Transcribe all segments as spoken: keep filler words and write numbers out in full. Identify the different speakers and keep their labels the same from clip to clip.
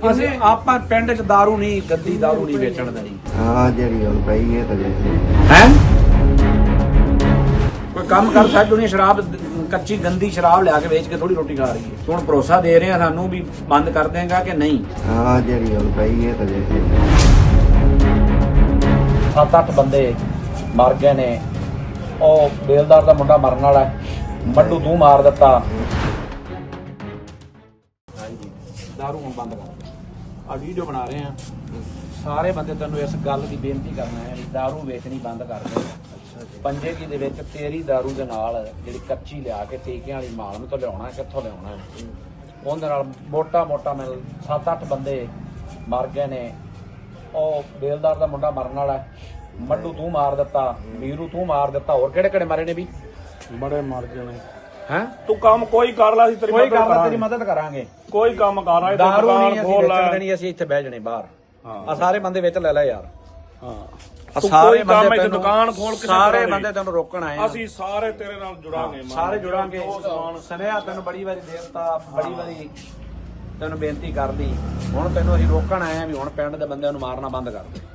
Speaker 1: ਅਸੀਂ ਆਪਾਂ ਪਿੰਡ ਚ दारू ਨਹੀਂ ਗੱਦੀ दारू ਨਹੀਂ ਵੇਚਣ ਦੇਣੀ।
Speaker 2: ਹਾਂ ਜਿਹੜੀ ਹੁਣ ਪਈ ਹੈ ਤਾਂ ਵੇਚ
Speaker 1: ਹੈ ਕੋਈ ਕੰਮ ਕਰ ਸਕਦਾ ਦੁਨੀਆ ਸ਼ਰਾਬ ਕੱਚੀ ਗੰਦੀ ਸ਼ਰਾਬ ਲਿਆ ਕੇ ਵੇਚ ਕੇ ਥੋੜੀ ਰੋਟੀ ਖਾ ਰਹੀ ਹੈ। ਹੁਣ ਭਰੋਸਾ ਦੇ ਰਹੇ ਆ ਸਾਨੂੰ ਵੀ ਬੰਦ ਕਰ ਦੇਗਾ ਕਿ ਨਹੀਂ।
Speaker 2: ਹਾਂ ਜਿਹੜੀ ਹੁਣ ਪਈ ਹੈ ਤਾਂ ਵੇਚ
Speaker 1: ਸੱਤ ਅੱਠ ਬੰਦੇ ਮਰ ਗਏ ਨੇ। ਉਹ ਬੇਲਦਾਰ ਦਾ ਮੁੰਡਾ ਮਰਨ ਵਾਲਾ ਮੱਡੂ ਤੂੰ ਮਾਰ ਦਿੱਤਾ। ਹਾਂਜੀ दारू ਹੁਣ ਬੰਦ ਕਰ। ਆ ਵੀਡੀਓ ਬਣਾ ਰਹੇ ਆ ਸਾਰੇ ਬੰਦੇ ਤੈਨੂੰ ਇਸ ਗੱਲ ਦੀ ਬੇਨਤੀ ਕਰਨਾ ਹੈ ਵੀ दारू ਵੇਚਣੀ ਬੰਦ ਕਰ ਦੇ। ਪੰਜੇ ਕੀ ਦੇ ਵਿੱਚ ਤੇਰੀ दारू ਦੇ ਨਾਲ ਜਿਹੜੀ ਕੱਚੀ ਲਿਆ ਕੇ ਟੀਕਿਆਂ ਵਾਲੀ ਮਾਲ ਨੂੰ ਤੋਂ ਲਿਆਉਣਾ ਕਿੱਥੋਂ ਲਿਆਉਣਾ ਉਹਦੇ ਨਾਲ ਮੋਟਾ ਮੋਟਾ ਮਿਲ ਸੱਤ ਅੱਠ ਬੰਦੇ ਮਰ ਗਏ ਨੇ। ਉਹ ਬੇਲਦਾਰ ਦਾ ਮੁੰਡਾ ਮਰਨ ਵਾਲਾ ਮੱਡੂ ਤੂੰ ਮਾਰ ਦਿੱਤਾ, ਵੀਰੂ ਤੂੰ ਮਾਰ ਦਿੱਤਾ, ਹੋਰ ਕਿਹੜੇ ਕਿਹੜੇ ਮਾਰੇ ਨੇ ਵੀ
Speaker 3: ਬੜੇ ਮਰ ਗਏ ਨੇ।
Speaker 1: ਹੈ
Speaker 3: ਤੂੰ ਕੰਮ ਕੋਈ ਕਰ ਲੈ, ਅਸੀਂ ਤੇਰੀ
Speaker 1: ਕੋਈ
Speaker 3: ਮਦਦ
Speaker 1: ਗੱਲ ਤੇਰੀ
Speaker 3: ਕਰਾਂਗੇ।
Speaker 1: ਮਦਦ ਕਰਾਂਗੇ।
Speaker 3: ਕੋਈ ਕੰਮ ਕਰ ਰਿਹਾ
Speaker 1: दारू
Speaker 3: ਦੁਕਾਨ
Speaker 1: ਨਹੀਂ ਅਸੀਂ
Speaker 3: ਖੋਲ
Speaker 1: ਵੇਚਣ
Speaker 3: ਲੈ।
Speaker 1: ਦੇਣੀ, ਅਸੀਂ ਇੱਥੇ ਬਹਿ ਜਣੇ ਬਾਹਰ।
Speaker 3: ਹਾਂ
Speaker 1: ਆ ਸਾਰੇ ਬੰਦੇ ਵਿੱਚ ਲੈ ਲੈ ਯਾਰ।
Speaker 3: ਹਾਂ
Speaker 1: ਆ
Speaker 3: ਤੂੰ
Speaker 1: ਸਾਰੇ
Speaker 3: ਕੋਈ ਕੰਮ
Speaker 1: ਬੰਦੇ
Speaker 3: ਇੱਥੇ
Speaker 1: ਤੈਨੂੰ
Speaker 3: ਦੁਕਾਨ ਖੋਲ ਕੇ
Speaker 1: ਸਾਰੇ
Speaker 3: ਕਰਾਂਗੇ।
Speaker 1: ਬੰਦੇ ਤੈਨੂੰ ਰੋਕਣ ਆਏ ਆ।
Speaker 3: ਅਸੀਂ ਸਾਰੇ ਤੇਰੇ ਨਾਲ ਜੁੜਾਂਗੇ।
Speaker 1: ਹਾਂ, ਸਾਰੇ ਜੁੜਾਂਗੇ। ਸੁਨੇਹਾ ਤੈਨੂੰ ਬੜੀ ਵਾਰੀ ਦੇਵਤਾ ਬੜੀ ਵਾਰੀ ਤੈਨੂੰ ਬੇਨਤੀ ਕਰਦੀ। ਹੁਣ ਤੈਨੂੰ ਅਸੀਂ ਰੋਕਣ ਆਏ ਆ ਵੀ ਹੁਣ ਪਿੰਡ ਦੇ ਬੰਦਿਆਂ ਨੂੰ ਮਾਰਨਾ ਬੰਦ ਕਰ ਦੇ।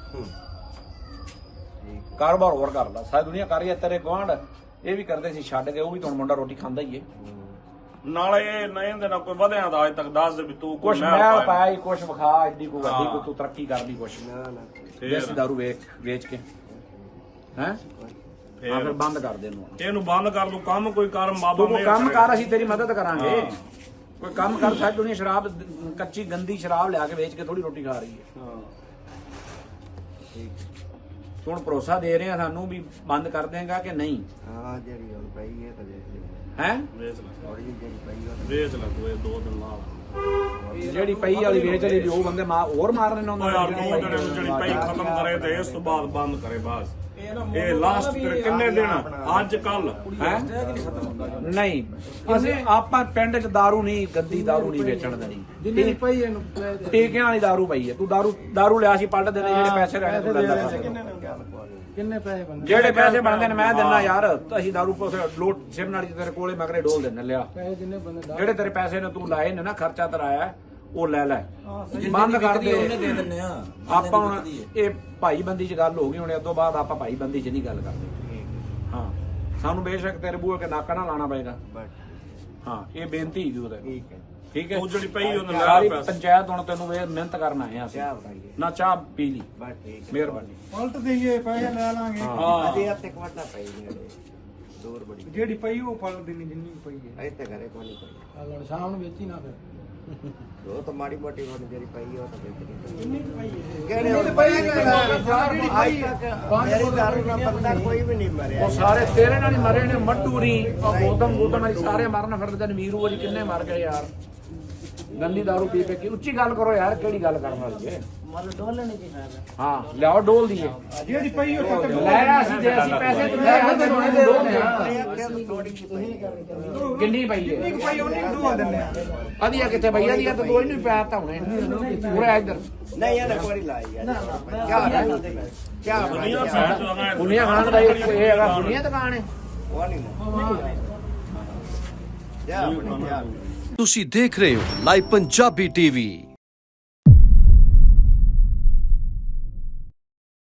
Speaker 1: ਕਾਰੋਬਾਰ ਹੋਰ ਕਰ ਲਾ। ਸਾਰੀ ਦੁਨੀਆ ਕਰ ਰਹੀ ਹੈ। ਤੇਰੇ ਗੁਆਂਢ ਇਹ ਵੀ ਕਰਦੇ ਸੀ ਛੱਡ ਕੇ, ਉਹ ਵੀ ਤੁਹਾਨੂੰ ਮੁੰਡਾ ਰੋਟੀ ਖਾਂਦਾ ਹੀ ਏ।
Speaker 3: ਨਾਲੇ ਇਹ ਨਹੀਂ ਦੇ ਨਾਲ ਕੋਈ ਵਧਿਆ ਦਾ ਅੱਜ ਤੱਕ ਦੱਸ ਦੇ ਵੀ ਤੂੰ
Speaker 1: ਕੁਛ
Speaker 3: ਮਹਿਲ
Speaker 1: ਮੈਂ
Speaker 3: ਪਾਇਆ।
Speaker 1: ਪਾਇਆ ਹੀ ਕੁਛ ਵਿਖਾ ਐਡੀ ਕੋ ਵੱਡੀ
Speaker 3: ਹਾਂ।
Speaker 1: ਕੋ ਤੂੰ ਤਰੱਕੀ ਕਰਦੀ ਕੁਛ
Speaker 3: ਫੇਰ।
Speaker 1: ਦੇਸੀ ਦਾਰੂ ਵੇਚ ਵੇਚ ਕੇ ਹੈ ਆ
Speaker 3: ਫੇਰ
Speaker 1: ਫਿਰ ਬੰਦ ਕਰ ਦੇ ਇਹਨੂੰ।
Speaker 3: ਇਹਨੂੰ ਬੰਦ ਕਰ ਦੂੰ। ਕੰਮ ਕੋਈ ਕਰ ਬਾਬਾ
Speaker 1: ਤੂੰ ਕੋਈ
Speaker 3: ਮਿਹਰ
Speaker 1: ਕੰਮ
Speaker 3: ਕਰੇਗਾ।
Speaker 1: ਕਰ ਅਸੀਂ ਤੇਰੀ ਮਦਦ ਕਰਾਂਗੇ।
Speaker 3: ਹਾਂ।
Speaker 1: ਕੋਈ ਕੰਮ ਕਰ ਸਾਡੀ ਦੁਨੀਆ ਸ਼ਰਾਬ ਕੱਚੀ ਗੰਦੀ ਸ਼ਰਾਬ ਲਿਆ ਕੇ ਵੇਚ ਕੇ ਥੋੜੀ ਰੋਟੀ ਖਾ ਰਹੀ ਹੈ।
Speaker 3: ਹਾਂ
Speaker 1: ਤੂੰ ਹੁਣ ਭਰੋਸਾ ਦੇ ਰਹੇ ਆ ਸਾਨੂੰ ਵੀ ਬੰਦ ਕਰ ਦੇਗਾ ਕਿ ਨਹੀਂ।
Speaker 2: ਹਾਂ ਜਿਹੜੀ ਹੁਣ ਪਈ ਹੈ ਤਾਂ ਵੇਚ
Speaker 1: ਹੈ
Speaker 3: ਵੇਚ ਲੈ
Speaker 2: ਥੋੜੀ ਜਿਹੜੀ ਪਈ ਉਹ
Speaker 3: ਵੇਚ ਲੈ ਤੂੰ ਇਹ ਦੋ ਦਿਨ ਨਾਲ।
Speaker 1: ਜਿਹੜੀ ਪਈ ਵਾਲੀ ਵੇਚ ਲਈ ਵੀ ਉਹ ਬੰਦੇ ਮਾ ਹੋਰ ਮਾਰਨੇ ਨੇ
Speaker 3: ਉਹ
Speaker 1: ਉਹਨਾਂ
Speaker 3: ਯਾਰ ਦੋ ਦਿਨ ਜਿਹੜੀ ਪਈ ਖਤਮ ਕਰੇ ਤੇ ਇਸ ਤੋਂ ਬਾਅਦ ਬੰਦ ਕਰੇ ਬਸ। ਇਹ ਲਾਸਟ ਤੇਰੇ ਕਿੰਨੇ ਦਿਨ ਅੱਜ ਕੱਲ
Speaker 1: ਹੈ ਨਹੀਂ ਅਸੀਂ ਆਪਾਂ ਪਿੰਡ ਚ दारू ਨਹੀਂ ਗੱਦੀ दारू ਨਹੀਂ ਵੇਚਣ ਦੇਣੀ। ਜਿੰਨੀ ਪਈ ਇਹਨੂੰ ਟੀਕਿਆਂ ਵਾਲੀ दारू ਪਈ ਹੈ। ਤੂੰ दारू दारू ਲਿਆ ਸੀ ਪਲਟ ਦੇਣੇ ਜਿਹੜੇ ਪੈਸੇ ਰਹਿਣੇ ਤੂੰ ਲੈ ਲੈ।
Speaker 4: ਕਿੰਨੇ ਪੈਸੇ ਬਣਦੇ?
Speaker 1: ਜਿਹੜੇ ਪੈਸੇ ਬਣਦੇ ਨੇ ਮੈਂ ਦਿੰਨਾ ਯਾਰ। ਅਸੀਂ दारू ਪੋਸ ਲੋਟ ਸਿਰ ਨਾਲ ਤੇਰੇ ਕੋਲੇ ਮਗਰੇ ਡੋਲ ਦਿੰਨੇ ਲਿਆ।
Speaker 4: ਪੈਸੇ ਜਿੰਨੇ ਬੰਦੇ ਦਾ
Speaker 1: ਜਿਹੜੇ ਤੇਰੇ ਪੈਸੇ ਨੇ ਤੂੰ ਲਾਏ ਨੇ ਨਾ ਖਰਚਾ ਤਰਾਇਆ ਉਹ ਲੈ ਲੈ ਬੰਦ ਕਰ ਦੇ।
Speaker 5: ਉਹਨੇ ਦੇ ਦਿੰਨੇ ਆ।
Speaker 1: ਆਪਾਂ ਹੁਣ ਇਹ ਭਾਈ ਬੰਦੀ ਚ ਗੱਲ ਹੋ ਗਈ। ਹੁਣ ਇਸ ਤੋਂ ਬਾਅਦ ਆਪਾਂ ਭਾਈ ਬੰਦੀ ਚ ਨਹੀਂ ਗੱਲ ਕਰਦੇ। ਹਾਂ ਸਾਨੂੰ ਬੇਸ਼ੱਕ ਤੇਰੇ ਬੂਹੇ ਕੇ ਨਾਕਾ ਨਾ ਲਾਣਾ ਪਏਗਾ। ਹਾਂ ਇਹ ਬੇਨਤੀ ਹੀ ਉਹਦੇ
Speaker 2: ਠੀਕ ਹੈ
Speaker 1: ਠੀਕ ਹੈ।
Speaker 3: ਉਹ ਜਿਹੜੀ ਪਈ ਉਹਨੇ ਲੈ
Speaker 1: ਸਾਰੀ
Speaker 3: ਪੈਸੇ।
Speaker 1: ਪੰਚਾਇਤ ਹੁਣ ਤੈਨੂੰ ਇਹ ਮਿਹਨਤ ਕਰਨ ਆਏ ਆ ਅਸੀਂ।
Speaker 2: ਚਾਹ ਬਣਾਈਏ
Speaker 1: ਨਾ ਚਾਹ ਪੀ ਲਈ
Speaker 2: ਬਸ ਠੀਕ ਹੈ।
Speaker 1: ਮਿਹਰਬਾਨੀ।
Speaker 4: ਪਲਟ ਦੇਈਏ ਪੈਸੇ ਲੈ ਲਾਂਗੇ।
Speaker 1: ਹਾਂ
Speaker 2: ਅਜੇ ਹੱਥ ਇੱਕ ਵੱਡਾ ਪਈ ਨੇ ਦੂਰ ਬੜੀ
Speaker 4: ਜਿਹੜੀ ਪਈ ਉਹ ਪਲਟ ਦੇਣੀ ਜਿੰਨੀ ਕੁ ਪਈ ਹੈ।
Speaker 2: ਇੱਥੇ ਘਰੇ ਕੋਈ ਪਈ
Speaker 4: ਆ ਲੜ ਸ਼ਾਮ ਨੂੰ ਵੇਚੀ ਨਾ ਫਿਰ।
Speaker 2: ਉਹ ਤਾਂ ਮਾੜੀ ਮੋਟੀ ਹੁਣ ਜਿਹੜੀ ਪਈ ਉਹ ਤਾਂ ਵੇਚ
Speaker 4: ਜਿੰਨੀ ਕੁ ਪਈ ਹੈ।
Speaker 2: ਕਿਹੜੇ
Speaker 4: ਜਿੰਨੀ ਕੁ ਪਈ ਹੈ ਜਿਹੜੀ ਪਈ ਹੈ।
Speaker 2: ਮੇਰੀ ਦਾਰੂ ਨਾਲ ਬੰਦਾ ਕੋਈ ਵੀ ਨਹੀਂ ਮਰਿਆ।
Speaker 1: ਉਹ ਸਾਰੇ ਤੇਰੇ ਨਾਲ ਹੀ ਮਰੇ ਨੇ। ਮੱਡੂਰੀ ਉਹ ਗੋਦਮ ਗੋਦਮ ਵਾਲੀ ਸਾਰੇ ਮਰਨ ਫਿਰਦੇ ਨੇ। ਵੀਰੂ ਵਾਲੀ ਕਿੰਨੇ ਮਰ ਗਏ ਯਾਰ ਗੰਦੀ दारू ਪੀ ਕੇ। ਕੀ ਉੱਚੀ ਗੱਲ ਕਰੋ ਯਾਰ। ਕਿਹੜੀ ਗੱਲ ਕਰਨ ਵਾਲੀ ਹੈ। ਹਾਂ ਲਿਆਓ ਡੋਲ ਦੀਏ।
Speaker 4: ਜਿਹੜੀ ਪਈ ਉਹ ਤਾਂ
Speaker 1: ਲੈ ਆ ਅਸੀਂ ਜੇ ਅਸੀਂ ਪੈਸੇ ਤੇ ਲੈ ਆ ਤੇ ਹੁਣ ਡੋਲਦੇ ਆ। ਕਿੰਨੀ ਪਈ ਹੈ?
Speaker 4: ਜਿੰਨੀ ਕੁ ਪਈ ਉਹਨੀ ਕੁ ਦਵਾ ਦਿੰਨੇ ਆ।
Speaker 1: ਅਧੀਆ ਕਿੱਥੇ ਪਈ? ਅਧੀਆ ਤਾਂ ਦੋ ਹੀ ਨਹੀਂ ਪਿਆ ਤਾਂ ਹੁਣੇ ਪੂਰਾ ਇੱਧਰ
Speaker 2: ਨਹੀਂ ਇਹਨੇ ਕੋਈ ਲਾਈ ਯਾਰ ਕਿਆ ਕਿਆ
Speaker 3: ਦੁਨੀਆ ਸਾਈਡ ਤੋਂ ਆਗਾ
Speaker 1: ਦੁਨੀਆ ਖਾਨ ਦਾ ਇਹ ਇਹ ਹੈਗਾ ਦੁਨੀਆ ਦੁਕਾਨ ਹੈ।
Speaker 2: ਉਹ ਨਹੀਂ ਜਾ ਬਣੀ ਜਾ
Speaker 6: ਤੁਸੀਂ ਦੇਖ ਰਹੇ ਹੋ ਲਾਈਵ ਪੰਜਾਬੀ ਟੀਵੀ।